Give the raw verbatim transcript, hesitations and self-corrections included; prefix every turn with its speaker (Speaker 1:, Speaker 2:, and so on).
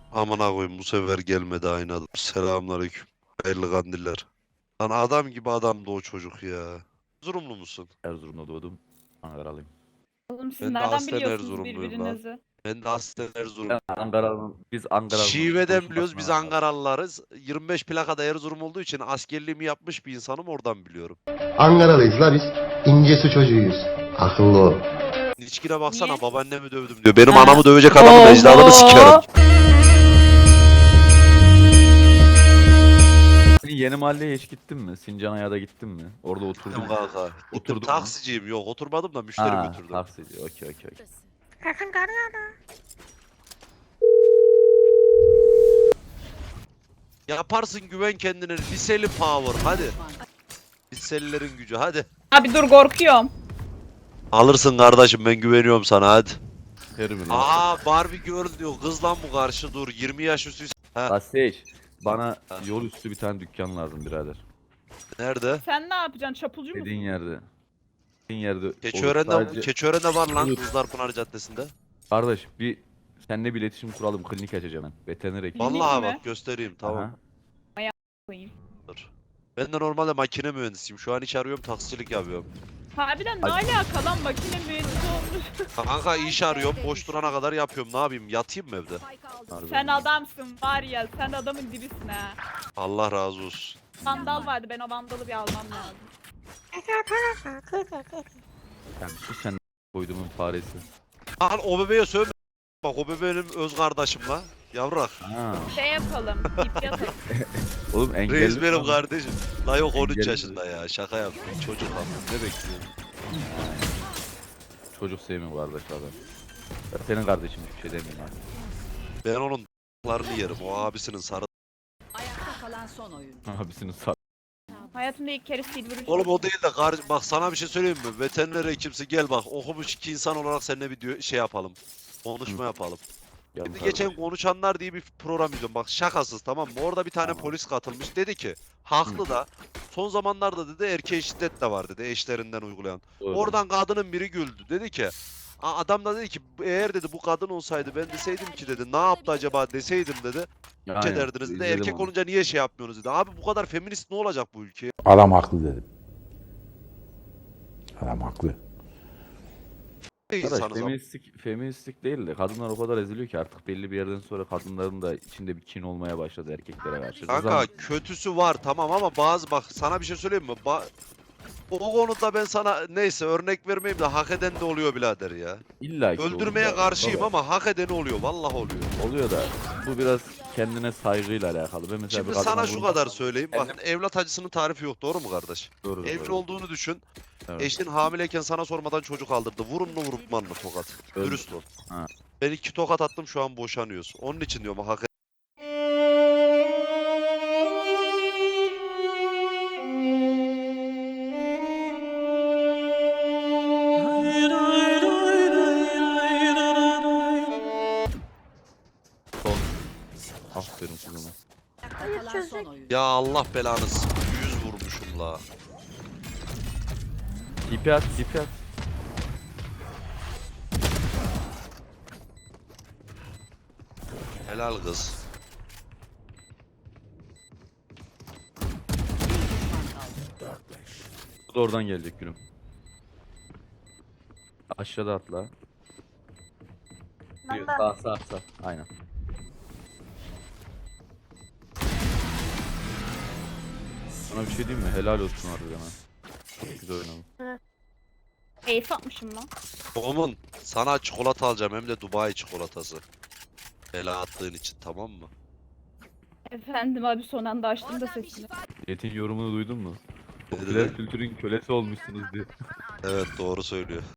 Speaker 1: Amına koyayım bu sefer gelmedi aynı adam. Selamünaleyküm. Hayırlı kandiller. Lan adam gibi adamdı o çocuk ya. Erzurumlu musun?
Speaker 2: Erzurum'da doğdum. Ankaralıyım.
Speaker 3: Oğlum siz
Speaker 1: Ben de
Speaker 3: nereden
Speaker 1: aslen
Speaker 3: biliyorsunuz
Speaker 1: Erzurumluyum lan.
Speaker 3: birbirinizi?
Speaker 1: Ben de aslen
Speaker 2: Ben
Speaker 1: Erzurum.
Speaker 2: Ankara'nın, biz Ankara'nın
Speaker 1: Şive'den biliyoruz biz
Speaker 2: konuşmasına
Speaker 1: Ankaralılarız. yirmi beş plakada Erzurum olduğu için askerliğimi yapmış bir insanım oradan biliyorum.
Speaker 4: Ankaralıyız la biz. İncesu çocuğuyuz. Akıllı ol.
Speaker 1: İçkine baksana
Speaker 3: Niye?
Speaker 1: babaannemi dövdüm diyor. Benim
Speaker 3: Ha.
Speaker 1: anamı dövecek adamın ecdadını sikerim.
Speaker 2: Senin yeni mahalleye hiç gittin mi? Sincanaya'da da gittin mi? Orada oturdun
Speaker 1: Gittim
Speaker 2: mu?
Speaker 1: kanka. Gittim
Speaker 2: Oturdun mu?
Speaker 1: taksiciyim yok oturmadım da müşteri
Speaker 2: Ha,
Speaker 1: götürdüm.
Speaker 2: taksici. Okey okey okey.
Speaker 1: Yaparsın güven kendine liseli power hadi. Liselilerin gücü hadi.
Speaker 3: Abi dur korkuyorum.
Speaker 1: Alırsın kardeşim ben güveniyorum sana hadi.
Speaker 2: Terminal.
Speaker 1: Aa Barbie girl diyor kız lan bu karşı dur yirmi yaş üstü. Ha
Speaker 2: Baseç. Bana yol üstü bir tane dükkan lazım birader.
Speaker 1: nerede?
Speaker 3: Sen ne yapacaksın? Çapulcu musun?
Speaker 2: Dediğin yerde. Dediğin yerde. olur.
Speaker 1: Keçiören'de,
Speaker 2: Sadece-
Speaker 1: Keçiören'de var lan
Speaker 2: Olur.
Speaker 1: Kızlar Pınar Caddesi'nde.
Speaker 2: Kardeş bir seninle bir iletişim kuralım. Klinik açacağım ben. Veteriner hekim.
Speaker 3: Klinik
Speaker 1: Vallahi
Speaker 3: mi?
Speaker 1: bak göstereyim tamam.
Speaker 2: Aha.
Speaker 3: Koyayım.
Speaker 1: Dur. Ben de normalde makine mühendisiyim. Şu an iş arıyorum taksicilik yapıyorum.
Speaker 3: Harbiden ne
Speaker 2: Hadi.
Speaker 3: alaka lan makine mühendisi olmuş.
Speaker 1: Kanka iş arıyorum boş durana kadar yapıyorum ne yapayım yatayım mı evde?
Speaker 2: Harbi
Speaker 3: Sen
Speaker 2: mi?
Speaker 3: adamsın var ya sen adamın dibisin ha.
Speaker 1: Allah razı olsun.
Speaker 3: Vandal vardı ben o vandalı bir almam lazım.
Speaker 2: Yani sus sen koyduğumun faresi.
Speaker 1: Lan o bebeğe söyle. Bak o bebeğim öz kardeşim la. Yavrak.
Speaker 2: Ha.
Speaker 3: Şey yapalım ip yatalım.
Speaker 2: Oğlum engelli.
Speaker 1: Reis benim kardeşim. La yok on üç
Speaker 2: Engelli.
Speaker 1: yaşında ya şaka yaptım çocuk lan ne bekliyorsun?
Speaker 2: Çocuk sevmiyor kardeş adam. Ben senin kardeşin bir şey demeyeyim abi.
Speaker 1: Ben onun larını yerim o abisinin sarı.
Speaker 5: Ayakta kalan son oyun.
Speaker 2: Abisinin sağ.
Speaker 3: Hayatımda ilk kere silver uç.
Speaker 1: Oğlum o değil de kar bak sana bir şey söyleyeyim mi? Veteriner hekimsi gel bak okumuş iki insan olarak seninle bir diyor- şey yapalım. Konuşma
Speaker 2: Hı.
Speaker 1: yapalım.
Speaker 2: Gel
Speaker 1: Şimdi
Speaker 2: kardeş.
Speaker 1: geçen konuşanlar diye bir program izliyorum. Bak şakasız tamam mı? Orada bir tane
Speaker 2: Tamam.
Speaker 1: polis katılmış. Dedi ki haklı da son zamanlarda dedi erkeğe şiddet de var dedi eşlerinden uygulayan.
Speaker 2: Doğru.
Speaker 1: Oradan kadının biri güldü. Dedi ki "Aa, adam da dedi ki eğer dedi bu kadın olsaydı ben deseydim ki dedi ne yaptı acaba deseydim dedi.
Speaker 2: Aynen,
Speaker 1: Ne ederdiniz dedi.
Speaker 2: izledim
Speaker 1: Erkek
Speaker 2: onu.
Speaker 1: olunca niye şey yapmıyorsunuz dedi. Abi bu kadar feminist ne olacak bu ülkeye?
Speaker 6: Adam haklı dedim. Adam haklı.
Speaker 1: Ne
Speaker 2: Arkadaş
Speaker 1: insanız ama.
Speaker 2: feministlik, feministlik değil de kadınlar o kadar eziliyor ki artık belli bir yerden sonra kadınların da içinde bir kin olmaya başladı erkeklere karşı.
Speaker 1: Kanka
Speaker 2: Rızam-
Speaker 1: kötüsü var tamam ama bazı bak sana bir şey söyleyeyim mi? Ba o konuda ben sana neyse örnek vermeyeyim de hak eden de oluyor birader ya.
Speaker 2: İlla ki
Speaker 1: Öldürmeye
Speaker 2: olur da,
Speaker 1: karşıyım
Speaker 2: baba.
Speaker 1: ama hak edeni oluyor vallahi oluyor.
Speaker 2: Oluyor da bu biraz kendine saygıyla alakalı. Ben mesela
Speaker 1: Şimdi
Speaker 2: bir kadına
Speaker 1: sana şu
Speaker 2: vurun-
Speaker 1: kadar söyleyeyim bak evlat acısının tarifi yok doğru mu kardeş?
Speaker 2: Doğru,
Speaker 1: Evli
Speaker 2: doğru.
Speaker 1: olduğunu düşün.
Speaker 2: Evet.
Speaker 1: Eşin hamileyken sana sormadan çocuk aldırdı. Vurun mu vurtman mı tokat?
Speaker 2: Öyle.
Speaker 1: Dürüst ol.
Speaker 2: Ha.
Speaker 1: Ben iki tokat attım şu an boşanıyoruz. Onun için diyorum hak ed-
Speaker 2: Son. Aferin kızıma.
Speaker 5: Ayakta kalan son oyun.
Speaker 1: Ya Allah belanız. Yüz vurmuşum la.
Speaker 2: İpi at, ipi at.
Speaker 1: Helal kız.
Speaker 2: Bu da oradan gelecek gülüm. Aşağıda atla.
Speaker 3: Ben de.
Speaker 2: Sağ sağ sağ. Aynen. Sana bir şey diyeyim mi? Helal olsun harbiden ha. Çok güzel oynadın.
Speaker 3: Ace atmışım lan.
Speaker 1: Oğlum sana çikolata alacağım hem de Dubai çikolatası. Bela attığın için tamam mı?
Speaker 3: Efendim abi son anda açtım da sesini.
Speaker 2: Yetin yorumunu duydun mu?
Speaker 1: Ne
Speaker 2: Popüler
Speaker 1: dedi?
Speaker 2: kültürün kölesi olmuşsunuz diye.
Speaker 1: Evet doğru söylüyor.